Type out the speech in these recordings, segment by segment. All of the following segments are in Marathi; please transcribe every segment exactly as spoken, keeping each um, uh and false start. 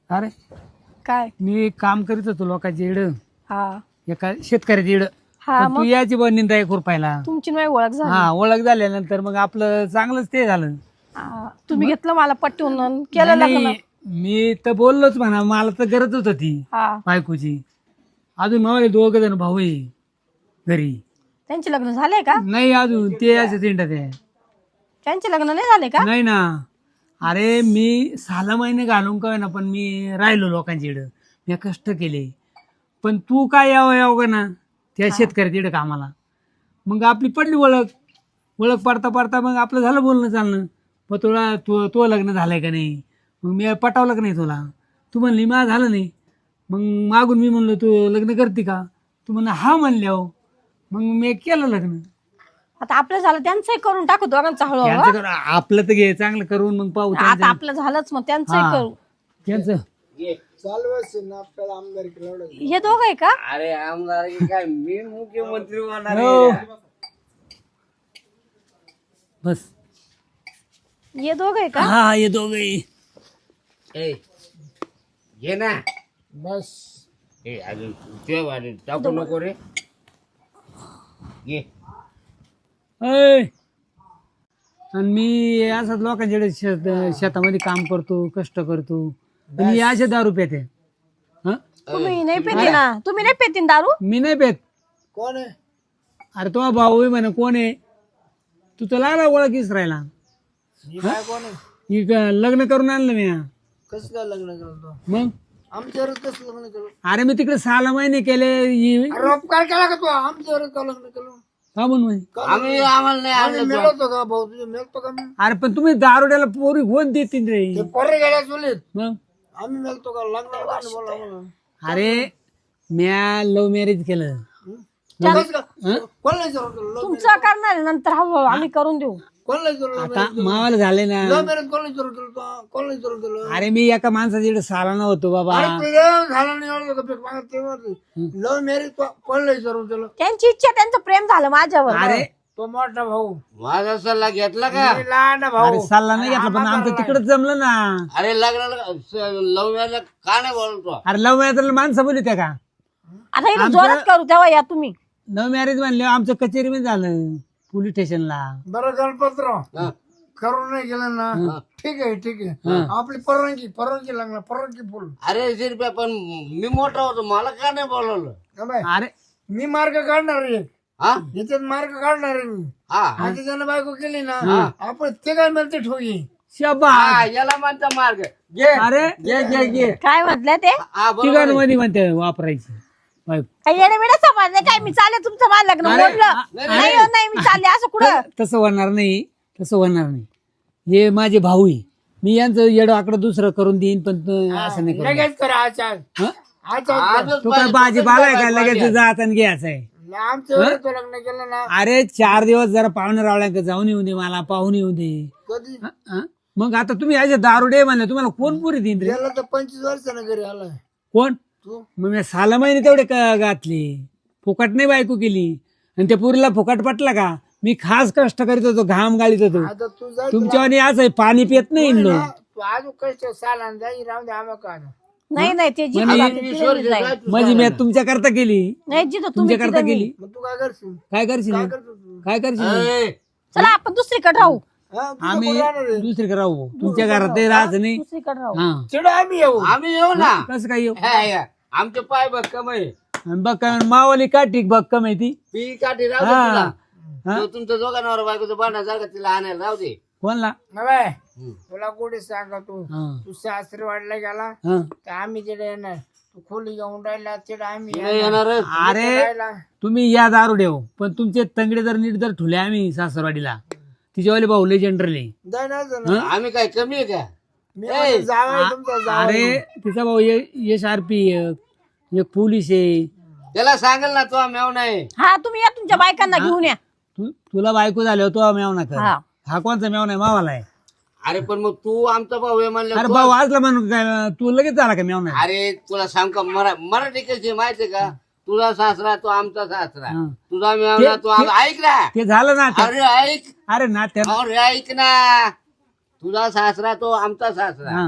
अरे काय मी काम करीत होतो लोकांची इड हा एका शेतकऱ्याची इड हा तू मग याची बन निंदा एक रुपयाला. तुमची नाही ओळख झाली हा ओळख झाल्यानंतर मग आपलं चांगलंच ते झालं. हा, तुम्ही घेतलं मला पटवून आणि केलं नाही, लग्न. नाही, मी तर बोललोच म्हणा, मला तर गरजच होती हा बायकोची. अजून मला दोघ जण भाऊ आहे घरी. त्यांचे लग्न झाले का? नाही अजून ते असे तिंडत आहे. त्यांचे लग्न नाही झाले का? नाही ना. अरे मी सहा महिने घालून काय ना, पण मी राहिलो लोकांची इड, मी कष्ट केले. पण तू काय यावं यावं का ना त्या शेतकऱ्याची इड कामाला. मग आपली पडली ओळख. ओळख पडता पडता मग आपलं झालं बोलणं चालणं. मग तुला तू तो लग्न झालंय का नाही, मग मी पटावलं का नाही तुला. तू म्हणली मा झालं नाही. मग मागून मी म्हणलो तू लग्न करते का, तू म्हणलं हा म्हणल्यावर मग मी केलं लग्न. आता आपलं झालं त्यांचंही करून टाकू दोघांचं हळूहळू. त्यांचं करू, आपलं तर घे चांगलं करून मग पाहू आता त्यांचं. आपलं झालंच मग त्यांचंही हा. करू. त्यांचं हे दोघं आहे का? अरे आमदार की काय मी मुख्यमंत्री होणार हो. आहे. बस हे दोघं आहे का? हा हे दोघे. ए, घे ना बस ए अजून ते वाले टाकू नको रे. घे ऐ. आणि मी असंच लोकांच्याकडे शेत शेतामध्ये काम करतो, कष्ट करतो, आणि हे असे दारू पेते. हं? तुम्ही नाही पेते ना? तुम्ही नाही पेतीन दारू? मी नाही पेत. कोण आहे? अरे तो भाऊ आहे म्हणे. कोण आहे तू, तर लागला ओळखीस राहिला. ही काय कोण आहे? ही क- लग्न करून आणलं मी. कसं काय लग्न केलं? मग आमच्यावर कसं लग्न केलं? अरे मी तिकडे सहा महिने केले. ही- अरे उपकार केला का तू? आमच्यावर का लग्न केलं? का म्हणून म्हणे? आम्ही आम्हाला नाही आम्ही आणलं. मिळवतो का भाऊ? तुझे मिळतो का मी? अरे पण तुम्ही दारुड्याला पोरी कोण देतील रे. ते पोरे गेल्या चुलीत मग आम्ही मिळतो का? लग्न बोला मला. अरे म्या लव्ह मॅरेज केलं. कसं का? कोण नाही विचारलं तुला? तुमचं करणार आहे नंतर हळूहळू आम्ही करून देऊ. कोण नाही विचारलं? आता मावाला झाले ना. लव्ह मॅरेज कोण नाही विचारलं तुला? तू? कोण नाही विचारलं तुला? अरे मी एका माणसाच्या सालाना होतो बाबा. अरे तुझं झालं नाही एवढं का? पीक मागं तेव्हा लव्ह मॅरेज कोण नाही विचारलं तुला? त्यांची इच्छा, त्यांचं प्रेम झालं माझ्यावर. अरे तो मोठा भाऊ, माझा सल्ला घेतला का? मी लहान भाऊ. अरे सल्ला नाही घेतला, पण आमचं तिकडच जमलं ना. अरे लग्नाला लव मॅरेज का नाही बोलतो? अरे लव्ह मॅरेज माणसं बोलली त्या का. आता इथं जोरात करू तेव्हा या तुम्ही. लव्ह मॅरेज म्हणले आमचं कचेरी मध्ये झालं, पोलीस स्टेशनला. बरं गणपतराव, हा. करून नाही गेलं ना, ठीक आहे ठीक आहे. आपली परवानगी परवानगी लागणार, परवानगी फुल. अरे शिरप्या, पण मी मोठा होतो, मला का नाही बोलवलं? का बाय? अरे मी मार्ग काढणार आहे, हा याच्यात मार्ग काढणार आहे मी. हा आता त्यानं बायको केली ना, आपण ते काय मिळते ठोगी. शबा. हा, याला म्हणता मार्ग. घे अरे घे घे घे. काय म्हटलं ते? हा बरोबर ठिकाण आहे. मध्ये म्हणते वापरायची बायको. काही येणे बिणे समजले काय? मी चालले तुमचं मला लग्न अरे, मोडलं. अरे. नाही हो, नाही मी चालले असं कुठं. तसं होणार नाही, तसं होणार नाही. हे माझे भाऊ आहे, मी यांचं येडं आकडं दुसरं करून देईन, पण तू असं नाही करू. लगेच करा आचार हं? आचार. आजच तू काय पाहिजे, भाजीपाला आहे का पाहिजे. लगेच जात आणि घ्यायचं आहे. आमचं वेळेत तो लग्न केलं ना अरे चार दिवस जरा पाहुणे रावळ्या जाऊन येऊ दे, मला पाहून येऊ दे. कधी हं? हं? मग आता तुम्ही असे दारुडे म्हणले, तुम्हाला कोण पुरी देईन रे? गेला तर पंचवीस वर्षानं घरी आलाय कोण? तू. मग मी सहा महिने तेवढे क- घातले, फुकट नाही बायको केली. आणि त्या पुरीला फुकट पटला का? मी खास कष्ट करीत होतो, घाम गाळीत होतो. आता तू जा तुमच्यावानी असं आहे, पाणी पित नाही इन लोक. तू अजून कष्ट साला जाई राहून दे आम्हा का नाही नाही ते जिथं म्हणजे- जाते तिथे मी जाईन. माझी मी तुमच्या करता केली, नाही जिथं तुम्ही तुमच्या करता तिथं मी. केली. मग तू काय करशील? काय करशील काय करतो तू? काय करशील? ए, चला आपण दुसरीकडे राहू. हा, तुझं आम्ही कोण राहणार आहे? दुसरीकडे राहू, तुमच्या घरात ते राहायचं नाही. दुसरीकडे राहू. हा चिडू आम्ही येऊ. आम्ही येऊ ना. कसं काय येऊ? हा, या. आमचे पाय बघ कमाई. आणि बघ काय मावाली काठी बघ का माहिती. पी काठी राहू दे हा. तुला. हा? तो तुमच्या दोघांवर बायकोचं भांडण झालं का तिला आणायला राहू दे. कोणला? ना बाय, हम्म. तुला कुठे सांगा तू हा. तू सासरी वाढला गेला हा. तर आम्ही तिथे येणार. तू खोली घेऊन राहिला तिथे आम्ही नाही येणार. येणारच. अरे राहिला. तुम्ही या दारू देव, पण तुमचे तंगडे जर नीट जर ठुले आम्ही सासरवाडीला, तिच्यावाले भाऊ लय जनरली. जाय ना जा ना. आम्ही काय कमी आहे का? मी म्हणतो जावई तुमचा जावई. अरे तिचा भाऊ यश आरपी, एक पोलीस आहे. त्याला सांगेल ना तो मेव नाही. हा तुम्ही या तुमच्या बायकांना घेऊन या. तू तुला बायको झाल्यावर तो मेवना कर. हा. हा कोणचा मेवना आहे? मावाला आहे. अरे पण मग तू आमचा भाऊ आहे म्हणलं अरे तो- भाऊ आजला म्हणून काय तू लगेच झाला का मेवना? अरे तुला सांग का मरा मराठी कशी माहितीये का? तुझा सासरा तो आमचा सासरा, हा. तुझा मेवना तो आम- ऐक ना. ते झालं ना ते. अरे ऐक अरे ना त्या अरे ऐक ना. तुझा सासरा तो आमचा सासरा, हा.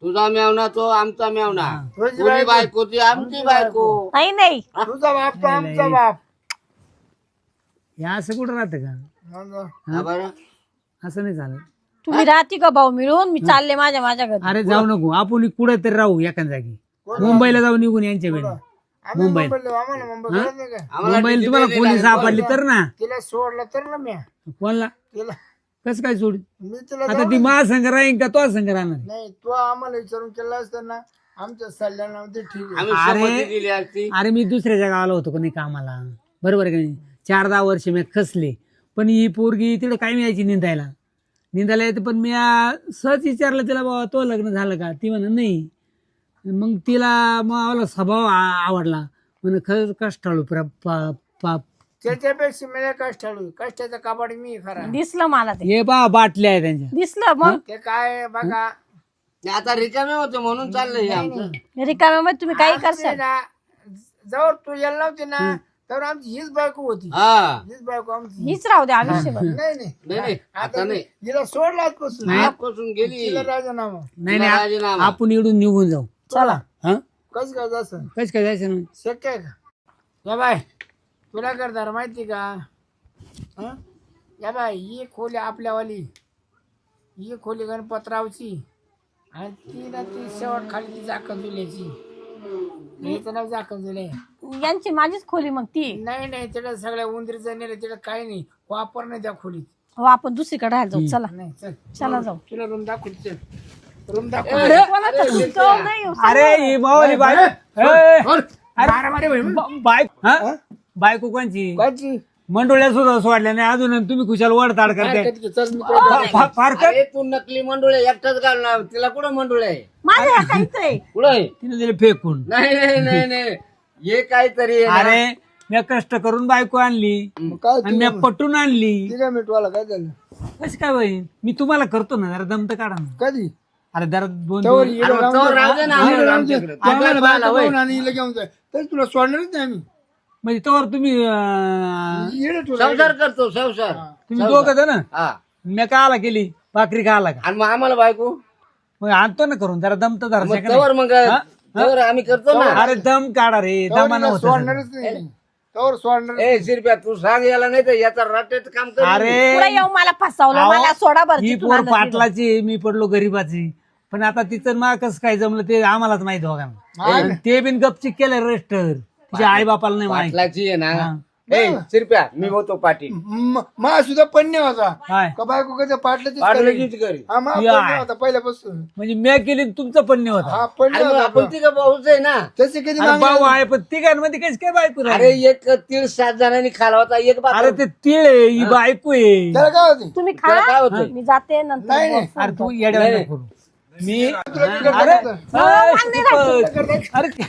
तुझा मेवना तो आमचा मेवना तुझी तुझी बायको. बायको ती आमची बायको. नाही नाही तुझा बाप तो आमचा बाप हे असं कुठं राहतं का मग हा बरं. असं नाही चालत. तुम्ही राहते का भाऊ मिळून मी चालले माझ्या माझ्या घरी अरे जाऊ नको आपण कुठे तरी राहू एका जागी मुंबईला जाऊ निघून यांच्या वेळी आम्ही मुंबईला आम्हाला मुंबई कळत नाही का आम्हाला मुंबईला किती तुम्हाला वेळ पोलीस लागेल? सापडली तर ना तिला सोडलं तर ना मी कोणला तिला कसं काय सोड मी तिला आता ती महासंघ राहीन का तो संघ राहणार नाही तू आम्हाला विचारून केला असताना आमच्या सल्ल्यानं ते ठीक आहे आम्ही अरे. संमती दिली असती. अरे मी दुसऱ्याच्या गावाला होतो का नाही कामाला बरोबर आहे का नाही चार दहा वर्ष मी खसले पण ही पोरगी तिकडे काय यायची निंदायला निंदायला येते पण मी आ, सहज विचारलं तिला बाबा तो लग्न झालं का ती म्हणा नाही मग तिला मग आम्हाला स्वभाव आ- आवडला म्हणे खरंच कष्टाळू प्र- प- प- त्याच्यापेक्षा मला कष्टाळू कष्टाचा कपाट मी खरा दिसलं मला ते हे बा बाटल्या आहे त्यांच्या दिसलं मग ते काय बघा नाही, आता रिकामे होते म्हणून चाललंय हे आमचं. रिकाम्यामध्ये तुम्ही काही आमची करसाल ना जवळ तू यायला नव्हती ना तर आमची हीच बायको होती हा हीच बायको आमची हीच राहू द्या आयुष्यभर नाही नाही नाही नाही आता नाही हिला सोडला आजपासून आजपासून गेली तिला राजीनामा नाही नाही राजीनामा. आपण इकडून निघून जाऊ चला हा कसं काय जायचं कस काय जायचं ना शक्य आहे का या बाय तुला करणार माहिती का हं? या बाय ही खोली आपल्यावाली ही खोली गणपतरावची आणि ती ना ती शेवट खाली ती जाकण जुल्याची हिचं नाव जाकण जुले यांची माझीच खोली मग ती नाही नाही तिला सगळ्या उंदरीचं नेलं तिला काही नाही वापर नाही त्या खोलीत हो आपण दुसरीकडे राहायला जाऊ चला नाही चल चला जाऊ तुला रूम दाखवू चल रूम दाखवू कोणाचं तुमचं नाही हो. अरे ही मावली बाय बाय हा बायको कोणची काची मंडोळ्या सुद्धा सोडल्या नाही अजून तुम्ही खुशाल वडताड करते चल मी तुला फा- फार कर अरे तू नकली मंडुळे एकटाच घालणार तिला कुठं मंडुळे आहे माझं हे काहीच आहे कुठं आहे? तिने दिले फेकून नाही नाही नाही नाही हे काहीतरी आहे ना. अरे मी कष्ट करून बायको आणली काय आणि मी पटून आणली ठीक आहे मिटवाला काय झालं कशी काय होईल मी तुम्हाला करतो ना जरा दमत काढा ना कधी अरे जरा दोन तवर दिवस- हिला अरे लावून तवर दे. राहू दे ना हिला आम्हाला लावून दे. आमच्याकडे. आम्हाला आम्हाला बायका होय. पाहून आणि हिला घेऊन जाय तर तुला सोडणारच नाही आम्ही म्हणजे तोवर तुम्ही अं, येडे तुला संसार करतो संसार तुम्ही दोघं जण हा मी का आला केली भाकरी का आला का आणि मग आम्हाला बायको मग आणतो ना करून जरा दमत मग धरा तवर मग तवर आम्ही करतो ना अरे दम काढा रे तवर दमानं हिला होतं सगळं. सोडणारच नाही तवर सोडणार ए शिरप्या तू सांग याला नाही तर याचा राटेत काम कर पुढे अरे येऊन मला फसवलं अहो, मला सोडा बरं ही तिथून पोर आणलं तिथं. पाटलाची मी पडलो गरीबाची पण आता तिचं मा कसं काय जमलं ते आम्हालाच माहित दोघांना आणि ते बिन गपचिक केलं रजिस्टर तिच्या आई बापाला नाही माहित पाटलाची आहे ना हा. ए शिरप्या मी होतो पाटील मा सुद्धा पन्ने होता काय का बायको कसं पाटलं पाटलाचीच करी हा मा या. पन्ने होता पहिल्यापासून म्हणजे मी केली तुमचं पण नाही होता हा पन्ने अरे मग होता आपण तिघं भाऊच आहे ना तसे कधी अरे मागणार भाऊ आहे पण तिघांमध्ये कशी काय बायको अरे राहिली? एक तीळ सात जणांनी खाला होता एक बाप अरे ते तिळ आहे ही बायको आहे त्याला काय होते तुम्ही त्याला काय खा होतंय? मी जाते नंतर नाही, नाही. फोन अरे तू करतो. येड्या नाही. नको करू. मी तुला अरे करतो. अरे, दीपक. अरे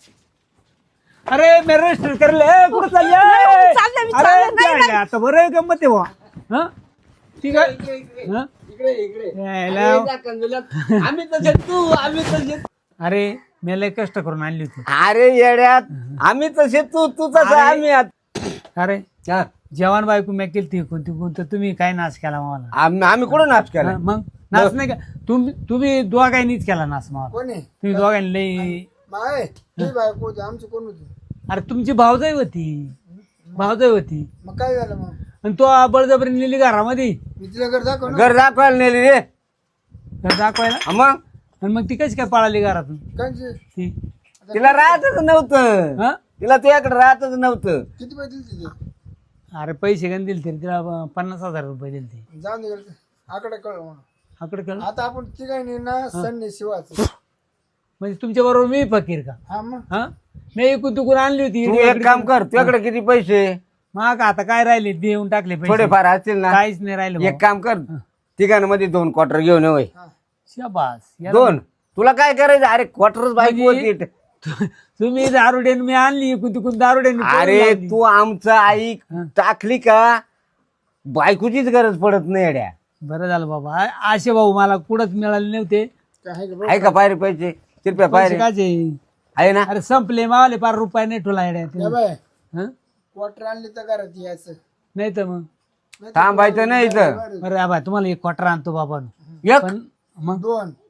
अरे मी रजिस्टर करले कुठं चालले नाही, चालले मी, अरे चालले. नाही, काय आता बरं गंमत आहे बुवा. हं? ठीक आहे हं? इकडे इकडे यायला. अरे, जा कंजुल्यात. आम्ही तसे तू आम्ही तसे अरे मी लय कष्ट करून आणली होती अरे येड्यात आम्ही तसे तू तू तसं अरे. आम्ही आत- अरे हा. जवान बायको मी केली ती कोणती कोणतं तुम्ही काय नाश केला मला आम्ही आम्ही कुठं नाच केला हं, मग नाश नाही का तुम्ही तुम्ही दोघांनीच केला नाश मला कोणी तुम्ही दोघांनी लई माय ही बायको होती आमची कोण होती अरे तुमची भावजाई होती भावजाई होती मग काय झालं मग आणि तो बळजबरी नेली घरामध्ये मी तिला घर दाखव ना घर दाखवायला नेली रे घर दाखवायला हा मग आणि मग ती कशी काय पळाली घरातून कांची ती तिला राहतच नव्हतं हं? तिला तुझ्याकडे राहतच नव्हतं किती पैसे दिले तिथे अरे पैसे गण दिले तरी तिला प- पन्नास हजार रुपये दिले ते जाऊन दे आकडे कळ म्हणून आकडे कळ आता आपण तिघांनी ना सन्नी शिवाच म्हणजे तुमच्या बरोबर मी फकीर का हा मग हा मी इकून तुकून आणली होती तू एक काम कर तुझ्याकडे किती पैसे मग आता काय राहिले देऊन टाकले पैसे थोडेफार असतील ना काहीच नाही राहिलं एक काम कर तिघांमध्ये दोन क्वार्टर घेऊन ये होय. शाबास याला- दोन तुला काय करायचं अरे क्वार्टरच बायको म्हणजे- होती तु- तुम्ही दारुडेन मी आणली इकून तिकून दारुडेन अरे तू आमचं आई टाकली का बायकोचीच गरज पडत नाही अड्या बरं झालं बाबा आ- असे भाऊ मला कुठंच मिळाले नव्हते काय आहे आहे का पायरे पैसे कृपया पैसे पायरे काचे आहे ना अरे संपले मावले पार रुपये नाही ठेवला येड्या का बाय हं? क्वार्टर आणली तर घरात यायचं नाही तर मग थांबायचं नाही इथं बरं आबा तुम्हाला एक क्वार्टर आणतो बाबा एक पण मग दोन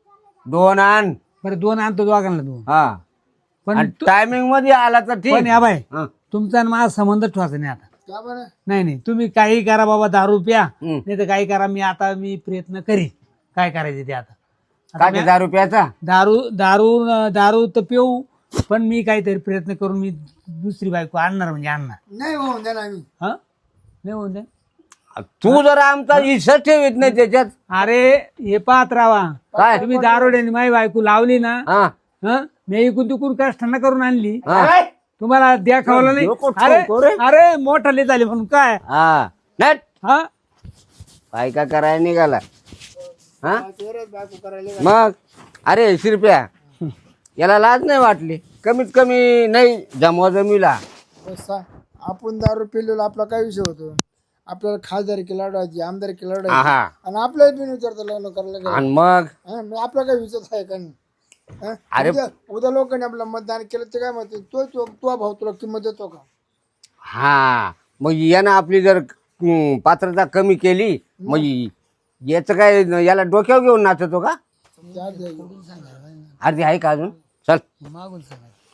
दोन आण बरं दोन आणतो दोघांना दोन हा पण तू- टायमिंग मध्ये आला तर पण ठीक या बाय हा. तुमचा आणि माझा संबंध ठेवायचा नाही आता का बरं नाही नाही तुम्ही काही करा बाबा दारू प्या हम्म. नाही तर काही करा मी आता मी प्रयत्न करीन काय करायचे ते आता आता काय मी- ते दहा रुपयाचा दारू दारू दारू तर पिऊ पण मी काहीतरी प्रयत्न करून मी दुसरी बायको आणणार म्हणजे आणणार नाही होऊन द्या ना आम्ही हा नाही होऊन दे तू जर आमचा हिस्सा ठेवीत नाही त्याच्यात अरे हे पाहत राहा काय तुम्ही दारोड्याने माझी बायको लावली ना हा हं? मी इकून तिकून कष्टांना करून आणली हा. तुम्हाला द्याखावलं नाही डोकं अरे ठोको रे. अरे मोठाले झाले म्हणून काय हा नट हा काय का करायला निघाला हा तेरच बायको करायला मग अरे शिरप्या याला लाज नाही वाटली कमीत कमी नाही जमवा जमीला बसा आपण दारू पिलेलो आपला काय विषय होतो आपल्याला खासदारकी लढवायची आमदारकी लढवायची आहा आणि आपल्याला बिन विचारता लग्न करायला काय आणि मग हा, मग आपला काय विचार आहे का नाही हा? अरे- उद्या उद्या लोकांनी आपलं मतदान केलं ते काय म्हणते तो तो तो भाऊ तुला किंमत देतो का हा मग यानं आपली जर हम्म, पात्रता कमी केली मग याचं काय याला डोक्यावर घेऊन नाचतो का त्या द्या. अर्धी आहे का अजून चल मागून सांगा